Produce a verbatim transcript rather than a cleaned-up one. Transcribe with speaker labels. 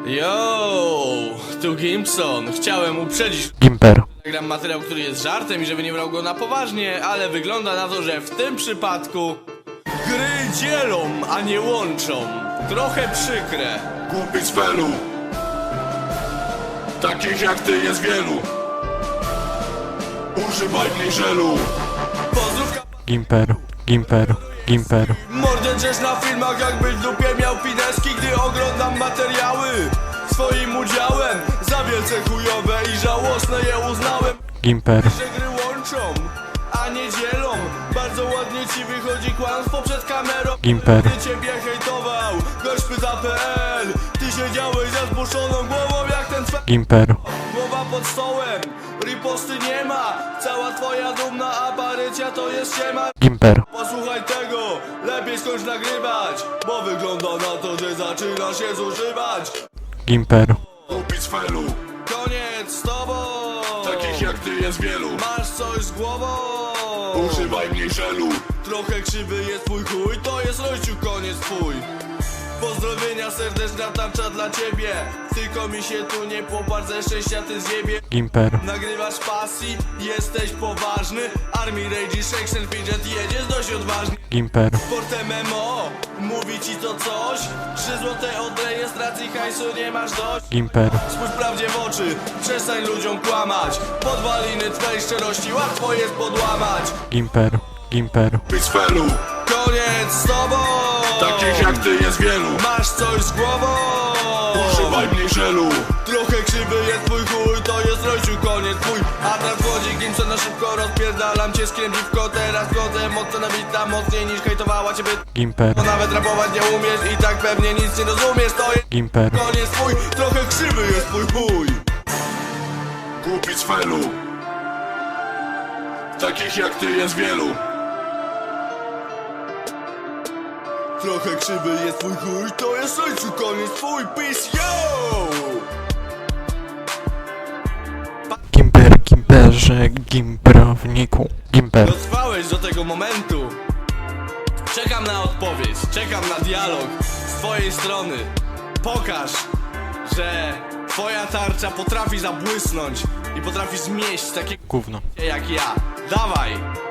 Speaker 1: Yo, tu Gimpson. Chciałem uprzedzić
Speaker 2: Gimper.
Speaker 1: Nagram materiał, który jest żartem i żeby nie brał go na poważnie, ale wygląda na to, że w tym przypadku gry dzielą, a nie łączą. Trochę przykre.
Speaker 3: Głupi z felu. Takich jak ty jest wielu. Używaj mniej żelu.
Speaker 1: Pozdrówka.
Speaker 2: Gimper. Gimper. Gimper.
Speaker 1: Mordę drzesz na filmach, jakbyś w dupie miał pineski, gdy oglądam materiały. Swoim udziałem za wielce chujowe i żałosne je uznałem.
Speaker 2: Gimper.
Speaker 1: Że gry łączą, a nie dzielą. Bardzo ładnie ci wychodzi kłamstwo przed kamerą.
Speaker 2: Gimper.
Speaker 1: Gdy ciebie hejtował gość pyta kropka pe el. Ty siedziałeś za zbuszoną głową jak ten twe...
Speaker 2: Gimper.
Speaker 1: Głowa pod stołem, riposty nie ma. Cała twoja dumna aparycja to jest ściema.
Speaker 2: Gimper.
Speaker 1: Posłuchaj tego, lepiej skończ nagrywać, bo wygląda na to, że zaczyna się zużywać.
Speaker 2: Gimper.
Speaker 3: Głupi z felu.
Speaker 1: Koniec z tobą.
Speaker 3: Takich jak ty jest wielu.
Speaker 1: Masz coś z głową.
Speaker 3: Używaj mniej żelu.
Speaker 1: Trochę krzywy jest twój chuj, to jest Rościu, koniec twój. Pozdrowienia serdeczna tarcza dla ciebie. Tylko mi się tu nie popatrz, ze szczęścia ty zjebie.
Speaker 2: Gimper.
Speaker 1: Nagrywasz pasji, jesteś poważny. Army Rage, Section Fidget, jedziesz dość odważnie.
Speaker 2: Gimper.
Speaker 1: Sport M M O, mówi ci to coś? Trzy złote od rejestracji, hajsu nie masz dość.
Speaker 2: Gimper.
Speaker 1: Spójrz prawdzie w oczy, przestań ludziom kłamać. Podwaliny twej szczerości łatwo jest podłamać.
Speaker 2: Gimper. Gimper.
Speaker 3: Głupi z felu.
Speaker 1: Koniec z tobą.
Speaker 3: Takich jak ty jest wielu.
Speaker 1: Masz coś z głową.
Speaker 3: Używaj mniej żelu.
Speaker 1: Trochę krzywy jest twój chuj, to jest Rościu, koniec twój. A teraz wchodzi Gimpson na szybko, rozpierdalam cię skriem dziwko. Teraz wchodzę mocno nabita, mocniej niż hejtowała ciebie.
Speaker 2: Gimper.
Speaker 1: Bo nawet rapować nie umiesz i tak pewnie nic nie rozumiesz. To jest
Speaker 2: Gimper.
Speaker 1: koniec twój, trochę krzywy jest twój chuj.
Speaker 3: Głupi z felu. Takich jak ty jest wielu.
Speaker 1: Trochę krzywy jest twój chuj, to jest Rościu, koniec twój. Peace, yo!
Speaker 2: Gimper. Gimperze. Gimprowniku. Gimper.
Speaker 1: Dotrwałeś do tego momentu. Czekam na odpowiedź, czekam na dialog z twojej strony. Pokaż, że twoja tarcza potrafi zabłysnąć i potrafi zmieść takie
Speaker 2: Gówno.
Speaker 1: jak ja. Dawaj!